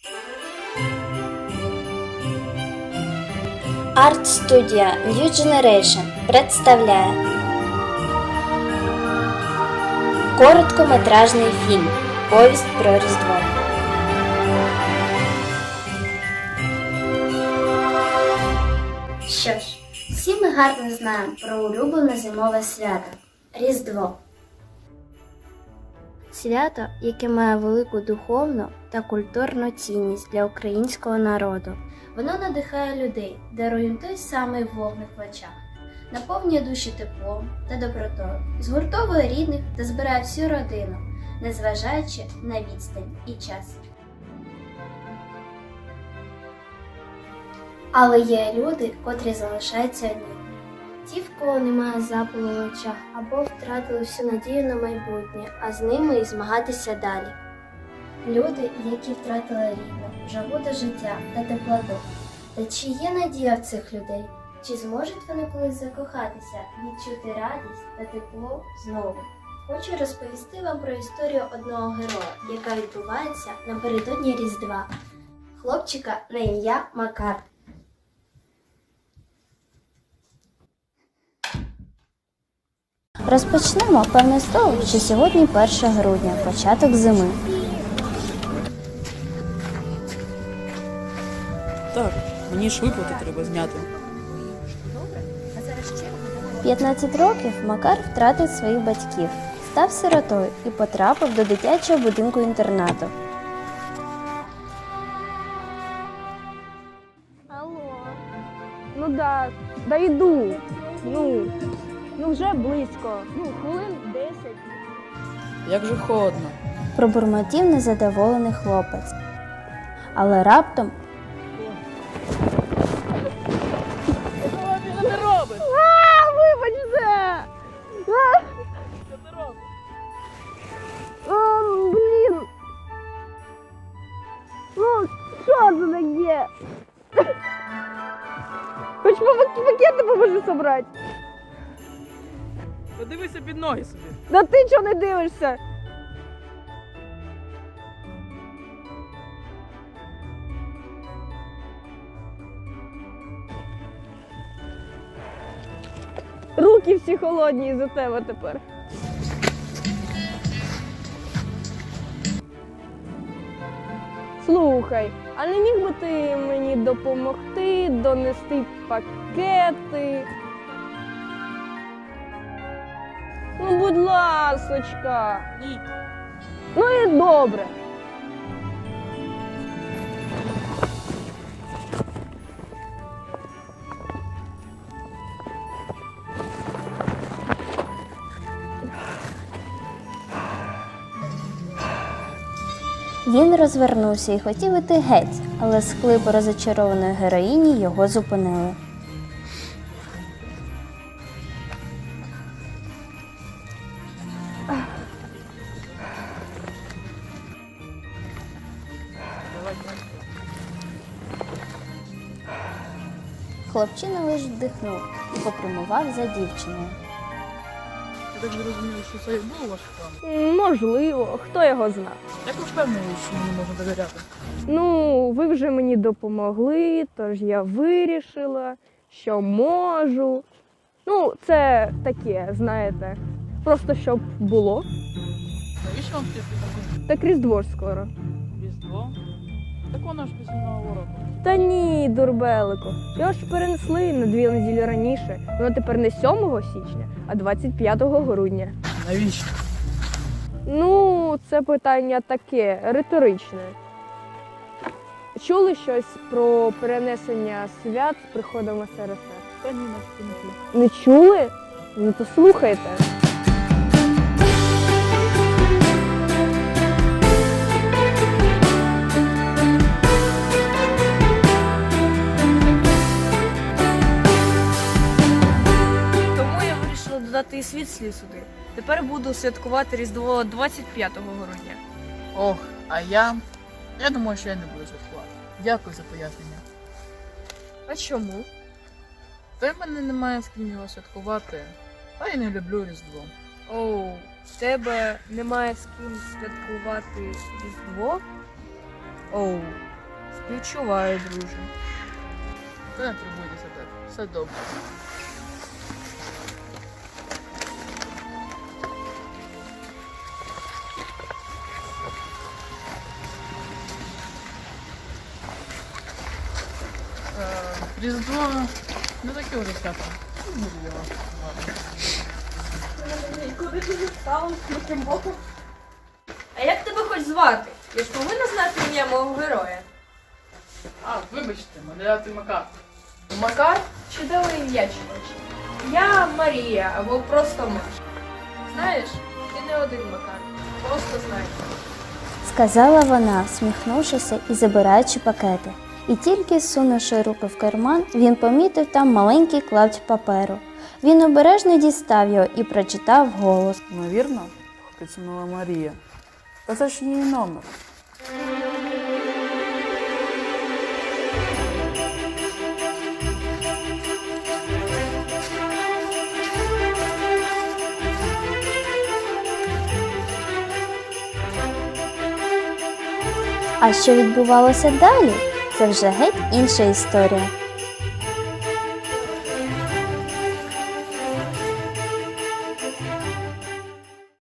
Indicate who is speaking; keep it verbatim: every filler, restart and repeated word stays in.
Speaker 1: Арт-студія New Generation представляє короткометражний фільм «Повість про Різдво». Що ж, всі ми гарно знаємо про улюблене зимове свято – Різдво. Свято, яке має велику духовну та культурну цінність для українського народу. Воно надихає людей, дарує їм той самий вогник в очах, наповнює душі теплом та добротою, згуртовує рідних та збирає всю родину, незважаючи на відстань і час. Але є люди, котрі залишаються одні. Ті, в кого немає запалу в очах або втратили всю надію на майбутнє, а з ними і змагатися далі. Люди, які втратили рідних, жагу до життя та теплоту. Та чи є надія в цих людей? Чи зможуть вони колись закохатися, відчути радість та тепло знову? Хочу розповісти вам про історію одного героя, яка відбувається напередодні Різдва. Хлопчика на ім'я Макар. Розпочнемо, певне, з того, що сьогодні перше грудня, початок зими.
Speaker 2: Так, мені ж виплати треба зняти.
Speaker 1: п'ятнадцять років Макар втратив своїх батьків, став сиротою і потрапив до дитячого будинку-інтернату.
Speaker 3: Алло. Ну да, да йду. Ну, ну вже близько. Ну, хвилин десять.
Speaker 2: Як же холодно.
Speaker 1: Пробурмотів незадоволений хлопець. Але раптом
Speaker 2: Що ти робиш?
Speaker 3: А, вибачте! А,
Speaker 2: Що ти робиш?
Speaker 3: а, блін. Ну, що це таке? Хоч пак- пакети поможи собрати.
Speaker 2: Подивися під ноги собі.
Speaker 3: Да ти чого не дивишся? Руки всі холодні із-за тебе тепер. Слухай, а не міг би ти мені допомогти донести пакети? Ну, будь ласочка.
Speaker 2: Ні.
Speaker 3: Ну і добре.
Speaker 1: він розвернувся і хотів іти геть, але склипи розочарованої героїні його зупинили.
Speaker 2: Давай.
Speaker 1: Хлопчина лиш вдихнув і попрямував за дівчиною.
Speaker 2: Я так зрозумів, що це і був ваш план.
Speaker 3: М, Можливо, хто його знає.
Speaker 2: Як ви впевнені, що мені можна довіряти?
Speaker 3: Ну, ви вже мені допомогли, тож я вирішила, що можу. Ну, це таке, знаєте, просто щоб було.
Speaker 2: Навіщо вам ті пакунки?
Speaker 3: Так Різдво ж скоро.
Speaker 2: Різдво? Так воно ж після Нового року.
Speaker 3: Та ні, дурбелику. Його ж перенесли на дві неділі раніше. Воно тепер не сьомого січня, а двадцять п'ятого грудня.
Speaker 2: Навіщо?
Speaker 3: Ну, це питання таке, риторичне. Чули щось про перенесення свят з приходом ес ер ес ер?
Speaker 2: Та ні, на стінки.
Speaker 3: Не чули? Ну то слухайте.
Speaker 4: Тому я вирішила додати і свій слід сюди. Тепер буду святкувати Різдво двадцять п'ятого грудня.
Speaker 2: Ох, а я... Я думаю, що я не буду святкувати. Дякую за пояснення.
Speaker 4: А чому?
Speaker 2: Та й в мене немає з ким його святкувати. Та й не люблю Різдво.
Speaker 4: Оу, в тебе немає з ким святкувати Різдво? Оу, Співчуваю, друже.
Speaker 2: Та не турбуйтеся так, все добре. Е, Різдво не таке вже свято. Ну, я вас ладно.
Speaker 4: А як тебе хоч звати? Я ж повинна знати ім'я мого героя.
Speaker 2: А, вибачте, мене звати Макар.
Speaker 4: Макар? Чудове ім'я, чоловіче. Я Марія, або просто Маша. Знаєш, ти не один Макар. Просто знай.
Speaker 1: Сказала вона, всміхнувшися і забираючи пакети. І тільки сунувши руки в карман, він помітив там маленький клапть паперу. Він обережно дістав його і прочитав вголос.
Speaker 5: Ймовірно, поцінила Марія. Та це ж її номер.
Speaker 1: А що відбувалося далі? Це вже геть інша історія.